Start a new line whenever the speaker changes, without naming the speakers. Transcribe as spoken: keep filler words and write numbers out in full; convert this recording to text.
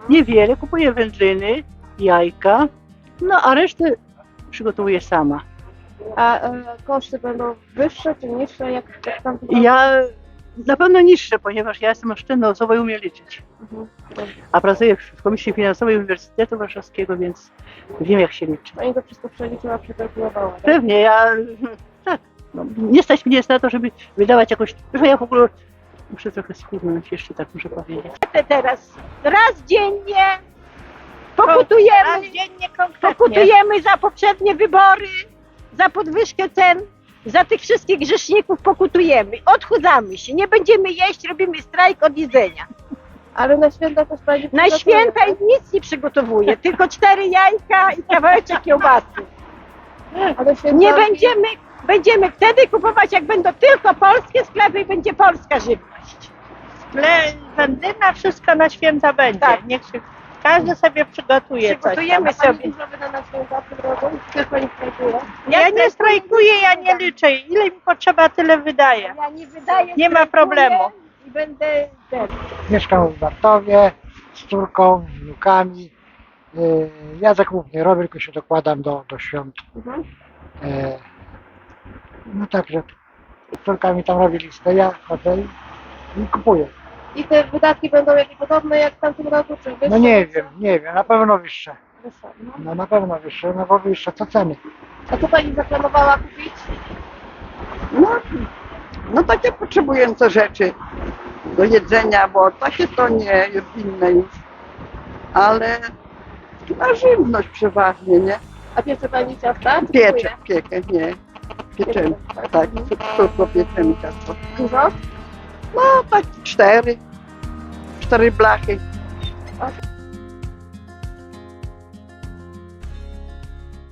Niewiele, kupuję wędliny, jajka, no a resztę przygotowuję sama.
A e, koszty będą wyższe czy niższe, jak, jak tam
Ja na pewno niższe, ponieważ ja jestem oszczędnościowa i umiem liczyć.
Mhm.
A pracuję w Komisji Finansowej Uniwersytetu Warszawskiego, więc wiem, jak się liczy.
Pani to wszystko przeliczyła, przekalkulowała, tak?
Pewnie, ja tak, no, nie stać mnie jest na to, żeby wydawać jakoś, że ja w ogóle muszę trochę schudnąć, jeszcze tak muszę powiedzieć.
Teraz raz dziennie pokutujemy,
Raz dziennie konkretnie.
pokutujemy za poprzednie wybory, za podwyżkę cen, za tych wszystkich grzeszników pokutujemy. Odchudzamy się, nie będziemy jeść, robimy strajk od jedzenia.
Ale na święta też Pani
Na
przygotuje,
święta
tak?
nic nie przygotowuję, tylko cztery jajka i kawałeczek kiełbasy.
A na święta
Nie będziemy, będziemy wtedy kupować, jak będą tylko polskie sklepy i będzie polska żywność.
Tle, wędlina, wszystko na święta będzie.
Tak.
Niech się, każdy sobie przygotuje coś
Przygotujemy
tam.
Pani
sobie.
dużo wyda na święta w tym roku? Też Pani strajkuje?
Ja nie strajkuję, ja nie liczę. Ile mi potrzeba, tyle wydaję.
Ja nie wydaję,
Nie ma
strajkuję
problemu.
I będę...
Mieszkam w Bartowie z córką, z wnukami. Yy, Ja zakupów nie robię, tylko się dokładam do, do świąt.
Mhm.
Yy, No także z córkami tam robi listę, ja chodzę i, i kupuję.
I te wydatki będą jakieś podobne jak w tamtym roku, czy wyższe?
No nie
niższe?
wiem, nie wiem, na pewno wyższe.
Wyższe, no.
No na pewno wyższe, no bo wyższe co ceny.
A co Pani zaplanowała kupić?
No, no takie potrzebujące rzeczy do jedzenia, bo takie to nie jest inne już. Ale na żywność przeważnie, nie?
A piecze Pani ciasta? Czy
Pieczę,
kupuje?
piekę, nie. Pieczemy, tak, córko pieczemy ciasto.
Dużo?
No tak cztery, cztery blachy.
A